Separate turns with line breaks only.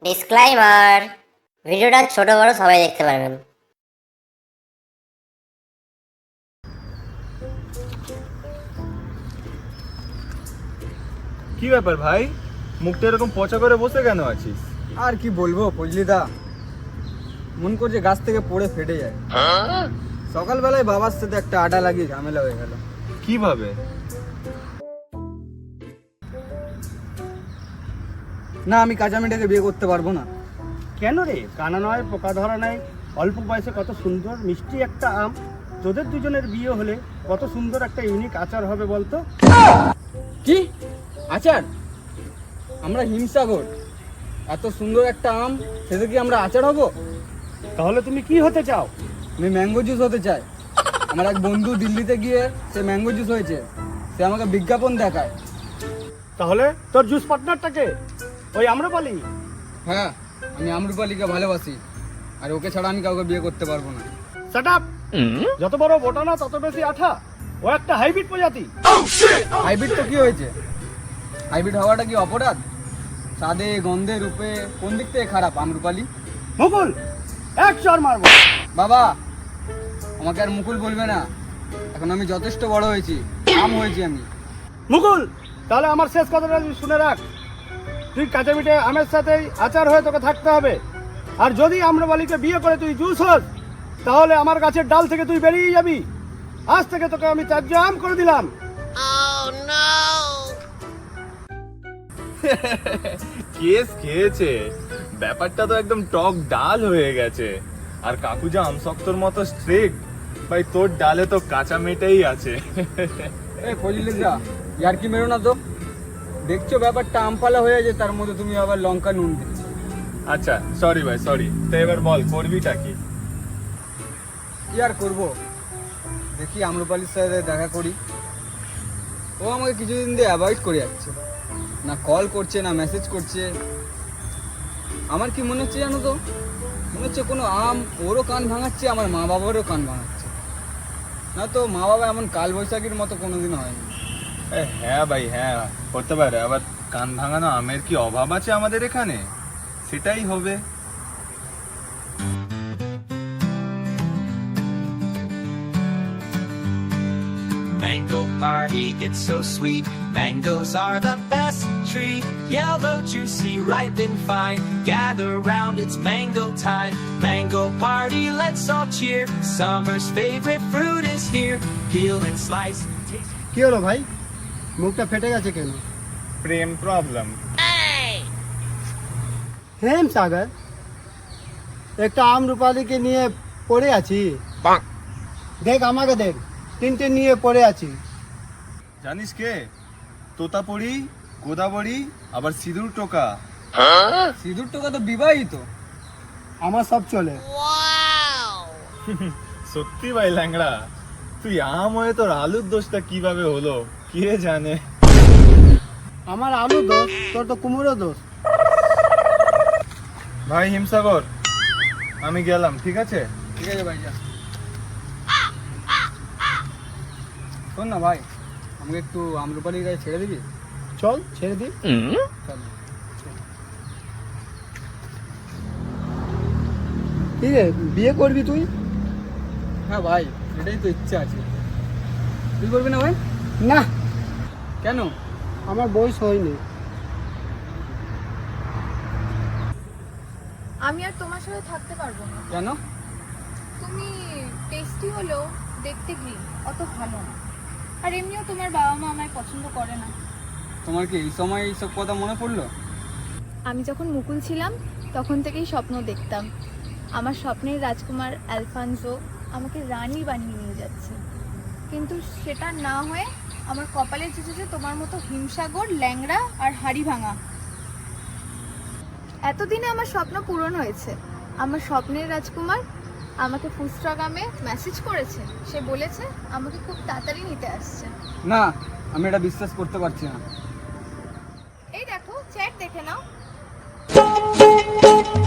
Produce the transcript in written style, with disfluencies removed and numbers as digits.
Disclaimer, ভিডিওটা ছোট বড় সবাই দেখতে পারবেন।
কি ব্যাপার ভাই, মুখটা এরকম পচা করে বসে কেন আছিস?
আর কি বলবো ফজলিদা, মন করছে গাছ থেকে পড়ে ফেটে যায়। সকালবেলায় বাবার সাথে একটা আডা লাগিয়ে ঝামেলা হয়ে গেল।
কিভাবে?
না, আমি কাঁচা মেয়েটাকে বিয়ে করতে পারবো না।
কেন রে? কানা নয়, পোকা ধরা নাই, অল্প বয়সে কত সুন্দর মিষ্টি একটা আম। তোদের দুজনের বিয়ে হলে কত সুন্দর একটা ইউনিক আচার হবে বলতো।
কি আচার? আমরা হিমসাগর, এত সুন্দর একটা আম, সেটা কি আমরা আচার হব?
তাহলে তুমি কি হতে চাও?
আমি ম্যাঙ্গো জুস হতে চাই। আমার এক বন্ধু দিল্লিতে গিয়ে সে ম্যাঙ্গো জুস হয়েছে, সে আমাকে বিজ্ঞাপন দেখায়।
তাহলে তোর জুস পার্টনারটাকে ওই আম্রপালি?
হ্যাঁ, আমি আম্রপালিকে ভালোবাসি, আর ওকে ছাড়া আমি কাউকে বিয়ে করতে পারবো না।
Set up! যত বড় বোটানা তত বেশি আঠা। ও একটা হাইব্রিড প্রজাতি।
হাইব্রিড তো কি হয়েছে? হাইব্রিড হওয়াটা কি অপরাধ? স্বাদে, গন্ধে, রূপে কোন দিক থেকে খারাপ আম্রপালি?
মুকুল, এক চর মারবো।
বাবা, আমাকে আর মুকুল বলবে না, এখন আমি যথেষ্ট বড় হয়েছি, আম হয়েছি আমি।
মুকুল, তাহলে আমার শেষ কথাটা তুই শুনে রাখ। তুই কাঁচা মিঠে আমের সাথেই আচার হয়ে তোকে থাকতে হবে। আর যদি আম্রপালিকে বিয়ে করে তুই জুস হস, তাহলে আমার গাছের ডাল থেকে তুই বেরিয়ে যাবি। আজ থেকে তোকে আমি ত্যায্য আম করে দিলাম।
কেস খেয়েছে, ব্যাপারটা তো একদম টক ডাল হয়ে গেছে। আর কাকু যা আমসক্তর মতো স্ট্রিক্ট, ভাই তোর ডালে তো কাঁচা মেটেই আছে।
এই ফজলিদা, ইয়ার কি মেরো না তো। দেখছো ব্যাপারটা আমপালা হয়ে যায়, তার মধ্যে তুমি আবার লঙ্কা নুন দিচ্ছ।
আচ্ছা সরি ভাই, সরি। তো এবার বল, করবিটা কি?
কি আর করবো, দেখি আম্রপালির সাথে দেখা করি। ও আমাকে কিছুদিন দিয়ে অ্যাভয়েড করে যাচ্ছে, না কল করছে না মেসেজ করছে। আমার কি মনে হচ্ছে জানো তো, মনে হচ্ছে কোনো আম ওরও কান ভাঙাচ্ছে, আমার মা বাবারও কান ভাঙাচ্ছে। না তো মা বাবা এমন কাল বৈশাখীর মতো কোনোদিন হয়নি।
হ্যাঁ ভাই, হ্যাঁ হতে পারে। আবার কান ভাঙানো আমের কি অভাব আছে আমাদের এখানে? সেটাই হবে।
Mango party, it's so sweet. Mangoes are the best treat. Yellow, juicy, ripe and fine. Gather round, it's mango time. Mango party, let's all cheer. Summer's favorite fruit is here. Peel and slice. Taste.
কি হলো ভাই, মুখটা ফেটে গেছে কেন?
প্রেম problem.
হেম সাগর, একটা আম্রপালিকে নিয়ে পড়ে আছি। দেখ আমাকে দেখ, তিনটে নিয়ে পড়ে আছি।
জানিস কে? তোতাপড়ি, গোদাবড়ি, আবার সিঁদুর টোকা।
সিঁদুর টোকা তো বিবাহিত।
আমার সব চলে।
সত্যি ভাই ল্যাংড়া, তুই আম হয়ে তোর আলুর দোষটা কিভাবে হলো কে জানে।
আমার আলু দোষ, তোর তো কুমড়ো দোষ।
ভাই হিমসাগর, আমি গেলাম, ঠিক আছে?
ঠিক আছে ভাই, যা। শোন না ভাই, আমাকে একটু আম্রপালির গায়ে ছেড়ে দিবি?
চল ছেড়ে দি।
চল।
ঠিক আছে, বিয়ে করবি তুই?
হ্যাঁ ভাই, এটাই তো ইচ্ছা আছে। তুই করবি না ভাই?
না,
কেন?
আমার বয়স হয়নি।
আমি আর তোমার সাথে থাকতে পারবো না।
কেন?
তুমি টেস্টি হলেও দেখতে গ্রিন, অত ভালো না। আর এমনিও তোমার বাবা মা আমায় পছন্দ করে না।
তোমার কি এই সময় এইসব কথা মনে পড়লো?
আমি যখন মুকুল ছিলাম তখন থেকেই স্বপ্ন দেখতাম আমার স্বপ্নের রাজকুমার অ্যালফানসো আমাকে রানী বানিয়ে নিয়ে যাচ্ছে, কিন্তু সেটা না হয়ে আমার কপালে চেঁচেছে তোমার মতো হিমসাগর, ল্যাংড়া আর হাড়ি ভাঙা। এতদিনে আমার স্বপ্ন পূরণ হয়েছে। আমার স্বপ্নের রাজকুমার আমাকে ফুস্টাগ্রামে মেসেজ করেছে, সে বলেছে আমাকে খুব তাড়াতাড়ি নিতে আসছে।
না, আমি এটা বিশ্বাস করতে পারছি না।
এই দেখো, চ্যাট দেখে নাও।